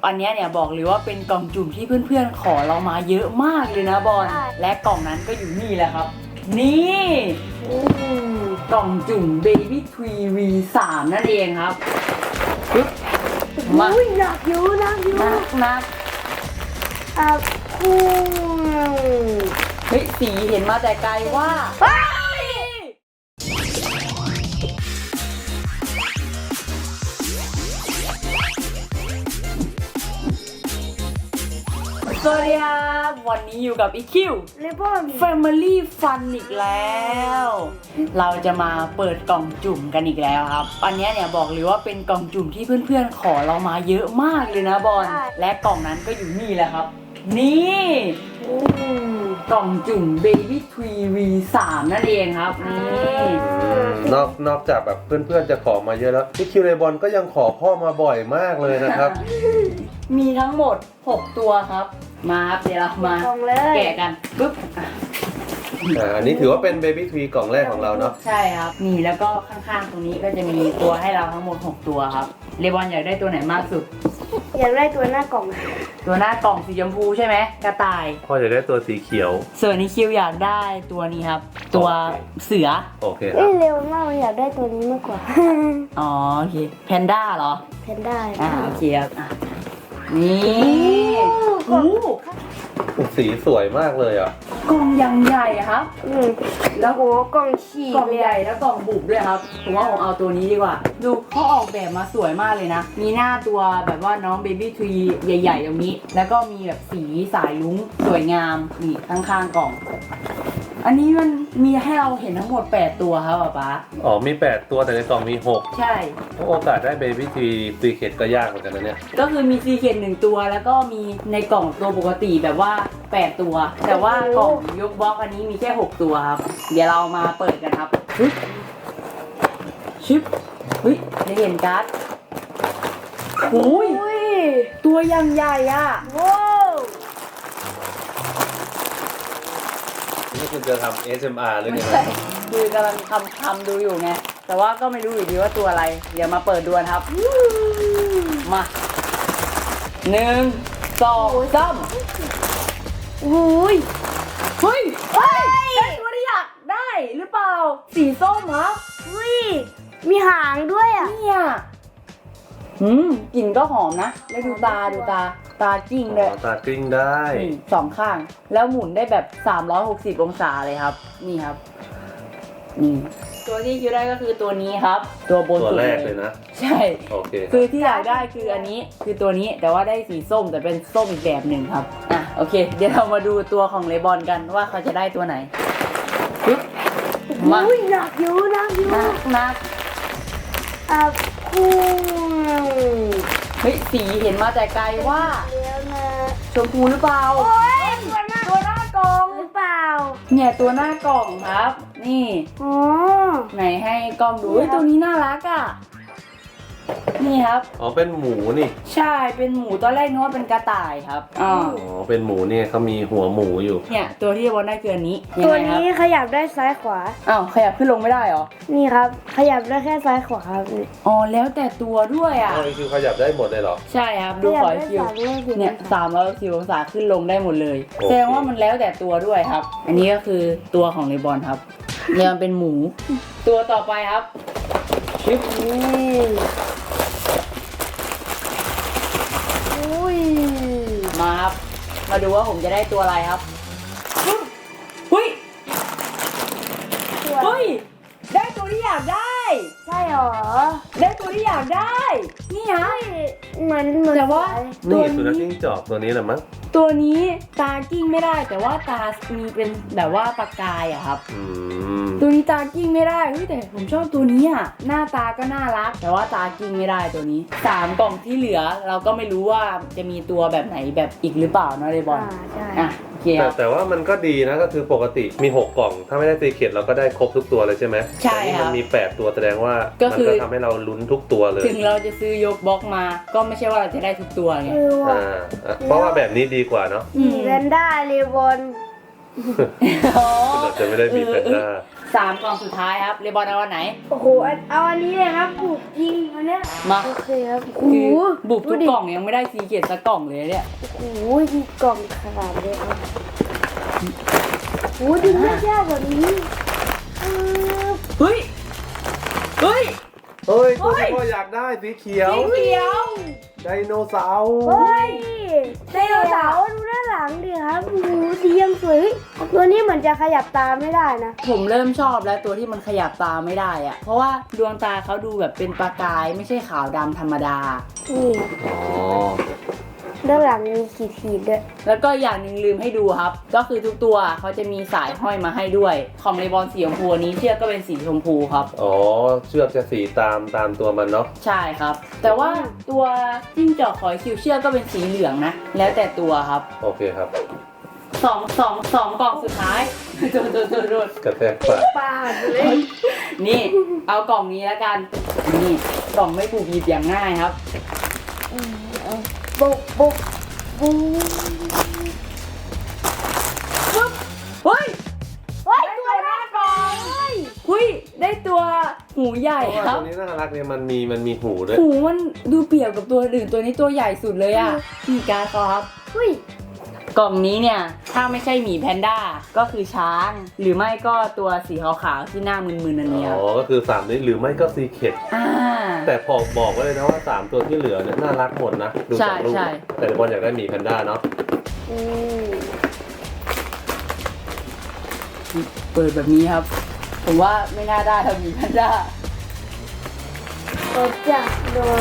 อันนี้เนี่ยบอกเลยว่าเป็นกล่องจุ่มที่เพื่อนๆขอเรามาเยอะมากเลยนะบอลและกล่องนั้นก็อยู่นี่แหละครับนี่กล่องจุ่ม Baby Tree V3 นั่นเองครับปึ๊บมาหนักอยู่นักเฮ้ยสีเห็นมาแต่ไกลว่าสวัสดีครับวันนี้อยู่กับอีคิว Family Fun อีกแล้ว เราจะมาเปิดกล่องจุ่มกันอีกแล้วครับอันนี้เนี่ยบอกเลยว่าเป็นกล่องจุ่มที่เพื่อนๆขอเรามาเยอะมากเลยนะบอลและกล่องนั้นก็อยู่นี่แหละครับนี่กล่องจุ่ม Baby Tree V3 นั่นเองครับนี่นอกจากแบบเพื่อนๆจะขอมาเยอะแล้วพี่คิวเลบอนก็ยังขอพ่อมาบ่อยมากเลยนะครับมีทั้งหมด6ตัวครับมาครับเดี๋ยวเรามาแกะกันปึ๊บอันนี้ถือว่าเป็น Baby Tree กล่องแรกของเราเนาะใช่ครับนี่แล้วก็ข้างๆตรงนี้ก็จะมีตัวให้เราทั้งหมด6ตัวครับเลบอนอยากได้ตัวไหนมากสุดอยากได้ตัวหน้ากล่องตัวหน้ากล่องสีชมพูใช่ไหมกระต่ายพ่ออยากได้ตัวสีเขียวส่วนนี้คิวอยากได้ตัวนี้ครับตัวเสือโอเคครับเร็วมากอยากได้ตัวนี้มากกว่าอ๋อโอเคแพนด้าเหรอแพนด้าโอเคครับนี่โอ้สีสวยมากเลยอ่ะกล่องยังใหญ่ครับแล้วโหกล่องฉีกกล่องใหญ่แล้วกล่องบุบด้วยครับผมว่าผมเอาตัวนี้ดีกว่าดูเขาออกแบบมาสวยมากเลยนะมีหน้าตัวแบบว่าน้อง Baby Tree ใหญ่ๆตรงนี้แล้วก็มีแบบสีสายลุ้งสวยงามนี่ข้างๆกล่องอันนี้มันมีให้เราเห็นทั้งหมด8ตัวครับป๊าอ๋อมี8ตัวแต่ในกล่องมี6 ใช่โอกาสได้ Baby Tree ซีเคทก็ยากเหมือนกันนะเนี่ยก็คือมีซีเคท1ตัวแล้วก็มีในกล่องตัวปกติแบบว่า8ตัวแต่ว่ากล่องยกบล็อกอันนี้มีแค่6ตัวครับเดี๋ยวเรามาเปิดกันครับชิปเฮ้ยได้เห็นการ์ดโอ้ยตัวยังใหญ่อ่ะว้าวนี่คุณจะทำ ASMR หรือไงคือกำลังทำดูอยู่ไงแต่ว่าก็ไม่รู้อยู่ดีว่าตัวอะไรเดี๋ยวมาเปิดดูครับมา1 2 3โอ้ยเฮ้ยได้ตัวที่อยากได้หรือเปล่าสีส้มครับมีหางด้วยอ่ะเนี่ยกลิ่นก็หอมนะแล้วดูตาจิ้งเลยตาจิ้งได้ 2ข้างแล้วหมุนได้แบบ360องศาเลยครับนี่ครับนี่ตัวที่คิดได้ก็คือตัวนี้ครับตัวบนสุดตัวแรกเลยนะใช่โอเคคือที่อยากได้คืออันนี้คือตัวนี้แต่ว่าได้สีส้มแต่เป็นส้มอีกแบบหนึ่งครับโอเคเดี๋ยวเรามาดูตัวของเลบอนกันว่าเขาจะได้ตัวไหนปึ๊บมาหนักอยู่นักเฮ้ยสีเห็นมาแต่ไกลว่าชมพูหรือเปล่าตัวหน้ากล่องหรือเปล่าเนี่ยตัวหน้ากล่องครับนี่ไหนให้กล้องดูตัวนี้น่ารักอ่ะนี่ครับอ๋อเป็นหมูนี่ใช่เป็นหมูตอนแรกนึกว่าเป็นกระต่ายครับอ๋อเป็นหมูเนี่ยเขามีหัวหมูอยู่เนี่ยตัวที่บอลได้คืออันนี้ตัวนี้ขยับได้ซ้ายขวาขยับขึ้นลงไม่ได้หรอนี่ครับขยับได้แค่ซ้ายขวาครับอ๋อแล้วแต่ตัวด้วยอ่ะคือขยับได้หมดเลยหรอใช่ครับดูขอคิวเนี่ย360องศาขึ้นลงได้หมดเลยแสดงว่ามันแล้วแต่ตัวด้วยครับอันนี้ก็คือตัวของเลบอนครับเนี่ยมันเป็นหมูตัวต่อไปครับชิปมาครับมาดูว่าผมจะได้ตัวอะไรครับเฮ้ยได้ตัวที่อยากได้ใช่หรอได้ตัวที่อยากได้นี่ฮะเหมือนแต่ว่านี่สุนัขจิ้งจอกตัวนี้แหละมั้งตัวนี้ตากิ้งไม่ได้แต่ว่าตามีเป็นแบบว่าประกายอะครับตัวนี้ตากิ้งไม่ได้แต่ผมชอบตัวนี้อะหน้าตาก็น่ารักแต่ว่าตากิ้งไม่ได้ตัวนี้3กล่องที่เหลือเราก็ไม่รู้ว่าจะมีตัวแบบไหนแบบอีกหรือเปล่าเนาะเลบอนแต่ว่ามันก็ดีนะก็คือปกติมี6กล่องถ้าไม่ได้ซีเคทเราก็ได้ครบทุกตัวเลยใช่ไหมใช่ครับมันมี8ตัวแสดงว่ามันก็ทำให้เราลุ้นทุกตัวเลยถึงเราจะซื้อยกบล็อกมาก็ไม่ใช่ว่าเราจะได้ทุกตัวไงเพราะว่าแบบนี้ดีกว่าเนาะแพนด้าเลบอนเราจะไม่ได้มีแพนด้า 3 กล่องสุดท้ายครับเลบอนเอาอันไหนโอ้โหเอาอันนี้เลยครับบุกจริงอันเนี้ยมาโอเคครับโอ้โหคือบุกทุกดูดิกล่องยังไม่ได้ซีเกตสักกล่องเลยเนี่ยโอ้โหมีกล่องขาดเลยครับโอ้โหดึงยากๆแบบนี้ปึ๊บเฮ้ย เฮ้ยเฮ้ยตัวที่พ่ออยากได้สีเขียวสีเขียวไดโนเสาร์เฮ้ยไดโนเสาร์ดูด้านหลังดิครับโอ้โหสียังสวยเฮ้ยตัวนี้เหมือนจะขยับตาไม่ได้นะผมเริ่มชอบแล้วตัวที่มันขยับตาไม่ได้อะเพราะว่าดวงตาเขาดูแบบเป็นประกายไม่ใช่ขาวดำธรรมดานี่อ๋อด้านหลังมีขีดๆด้วยแล้วก็อย่างหนึ่งลืมให้ดูครับ ก็คือทุกตัวเขาจะมีสายห้อยมาให้ด้วย ของเลบอนสีชมพูอันนี้เชือกก็เป็นสีชมพูครับอ๋อเชือกจะสีตามตัวมันเนาะใช่ครับ แต่ว่าตัวจิ้งจอกขอยคิวเชือกก็เป็นสีเหลืองนะ แล้วแต่ตัวครับโอเคครับสองกล่องสุดท้าย โดนกระแทกปากปาดเลยนี่ เอากล่องนี้แล้วกัน นี่กล่องไม่ถูกหยิบอย่างง่ายครับบุกบุกบุกเฮ้ยเฮ้ยตัวหน้ากล่องเฮ้ยหุ้ยได้ตัวหูใหญ่เพราะว่าครัตับวนี้น่ารักเนี่ยมันมีหูด้วยหูมันดูเปรียบกับตัวอื่นตัวนี้ตัวใหญ่สุดเลยอ่ะนี่การ์ดเขาครับเฮ้ยกล่องนี้เนี่ย ถ้าไม่ใช่หมีแพนด้าก็คือช้าง หรือไม่ก็ตัวสีขาวๆที่หน้ามึนๆอันเนี้ยอ๋อ ก็คือ3นี้หรือไม่ก็ซีเคดอ่าแต่พอบอกไว้เลยนะว่า 3 ตัวที่เหลือเนี่ยน่ารักหมดนะ ดูจากรูปใช่แต่บอลอยากได้หมีแพนด้าเนาะอืมเปิดแบบนี้ครับ ผมว่าไม่น่าได้ทำหมีแพนด้ากดจับหน่อย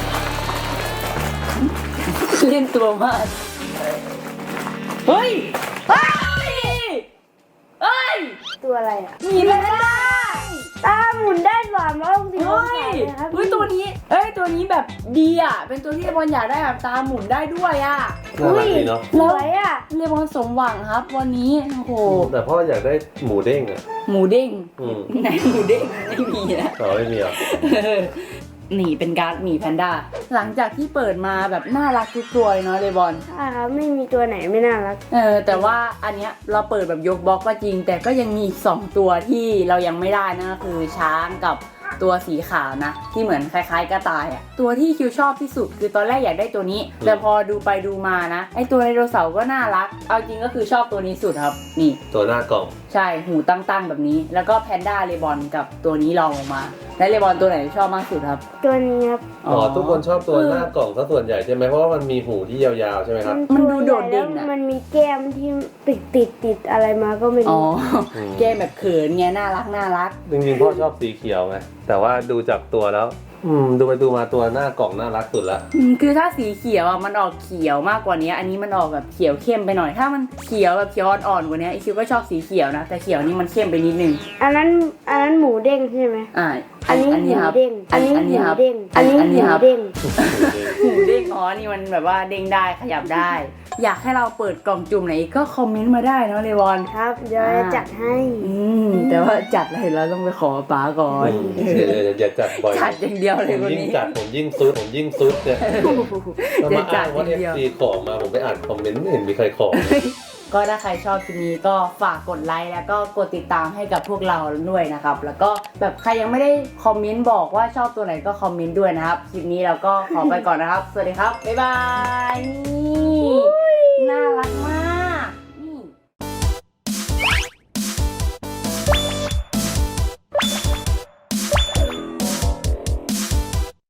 เล่นตัวมากเฮ้ยเฮ้ยเฮ้ยตัวอะไรอ่ะหมีแพนด้าตาหมุนได้360องเฮ้ศาย เลยครับเฮ้ยตัวนี้เอ้ยตัวนี้แบบดีอ่ะ เป็นตัวที่เลบอนอยากได้แบบตาหมุนได้ด้วยอ่ะน่ารักดีเนาะสวยอ่ะเลบอนสมหวังครับ วันนี้โอ้โหแต่พ่ออยากได้หมูเด้งอ่ะหมูเด้งอืมไหนหมูเด้งไม่มีนะอ๋อไม่มีเหรอหนีเป็นการ์ดหมีแพนด้า หลังจากที่เปิดมาแบบน่ารักทุกตัวเลยเนาะเลบอนใช่ครับไม่มีตัวไหนไม่น่ารักแต่ว่าอันเนี้ยเราเปิดแบบยกบล็อกก็จริง แต่ก็ยังมีอีก2ตัวที่เรายังไม่ได้นะก็คือช้างกับตัวสีขาวนะ ที่เหมือนคล้ายๆกระต่ายอะตัวที่คิวชอบที่สุดคือตอนแรกอยากได้ตัวนี้ แต่พอดูไปดูมานะไอตัวไดโนเสาร์ก็น่ารัก เอาจริงก็คือชอบตัวนี้สุดครับ นี่ตัวหน้ากล่องใช่หูตั้งๆแบบนี้ แล้วก็แพนด้าเลบอนกับตัวนี้ลองลงมา และเลบอนตัวไหนชอบมากสุดครับตัวนี้ครับอ๋อทุกคนชอบตัวหน้ากล่องซะส่วนใหญ่ใช่ไหมเพราะว่ามันมีหูที่ยาวๆใช่ไหมครับมันดูโดดเด่นแล้วอะมันมีแก้มที่ติดอะไรมาก็ไม่อ๋อรู้แกมแบบเขินไงน่ารักจริงๆพ่อชอบสีเขียวไงแต่ว่าดูจากตัวแล้ว ดูไปดูมาตัวหน้ากล่องน่ารักสุดละคือถ้าสีเขียวอ่ะมันออกเขียวมากกว่านี้ อันนี้มันออกแบบเขียวเข้มไปหน่อย ถ้ามันเขียวแบบเขียวอ่อนๆกว่านี้ไอคิวก็ชอบสีเขียวนะ แต่เขียวนี่มันเข้มไปนิดนึงอันนั้นหมูเด้งใช่ไหม อันนี้หมูครับเด้ง อันนี้หอันมูนี้ครับเด้ง อันนี้หอันมูนี้ครับเด้งหมูเด้งอ๋อนี่มันแบบว่าเด้งได้ขยับได้ อยากให้เราเปิดกล่องจุ่มไหนอีกก็คอมเมนต์มาได้เนาะเลวอนครับเดี๋ยวจะจัดให้แต่ว่าจัดอะไรเราต้องไปขอป๋าก่อนอย่าจัดบ่อยจัดอย่างเดียวเลยผมวันยิ่งนี้จัดผมยิ่งซุดเนี่ยแล้วเดี๋ยมาวจัอ้าดงอว่าย่างเดียว FC ของมาผมไปอ่านคอมเมนต์ไม่เห็นมีใครของก็ถ้าใครชอบคลิปนี้ก็ฝากกดไลค์แล้วก็กดติดตามให้กับพวกเราด้วยนะครับ แล้วก็แบบใครยังไม่ได้คอมเมนต์บอกว่าชอบตัวไหนก็คอมเมนต์ด้วยนะครับ คลิปนี้เราก็ขอไปก่อนนะครับ สวัสดีครับ บ๊ายบาย